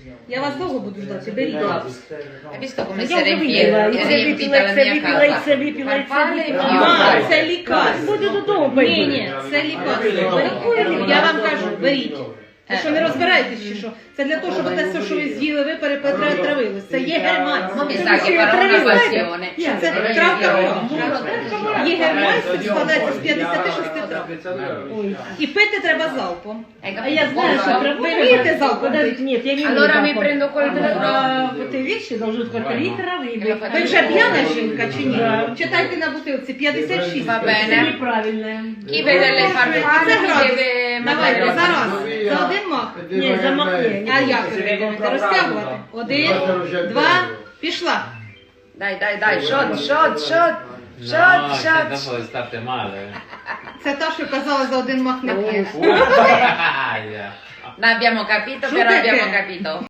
Я вас довго буду ждати, беріть. Hai visto come si Я è вже випила, riempita la mia casa? Farfalle e А, fiori. це лікарство. Буде додому Ні, ні, це лікарство. Беріть. Я вам кажу, беріть. Ви що, не розбираєтесь чи що? Це для того, щоб те все, що ви з'їли, ви перетравились. Це є германське. Ma mi sa che farò una passione. Це травка. Є германське, складається з 56 трав. І пити треба залпом. А я знаю, що Ви вмієте залпом? Подождите, нет, я не умею Allora mi залпом. prendo col А, вот эти вещи должны сколько литров и Ви вже п'яна жінка чи ні? Читайте на бутилці 56. Va Это bene. неправильно. Chi vede le farfalle Це mi градус. deve Давайте, mandare зараз. За один мах. Ні, замахни. А як ви будете розтягувати? 1, 2, пішла. Dai, shot, shot, shot. Shot, shot. Dopo state male. Це та, що казала за один мах не п'єш. Aia. Non abbiamo capito, Su però perché? abbiamo capito.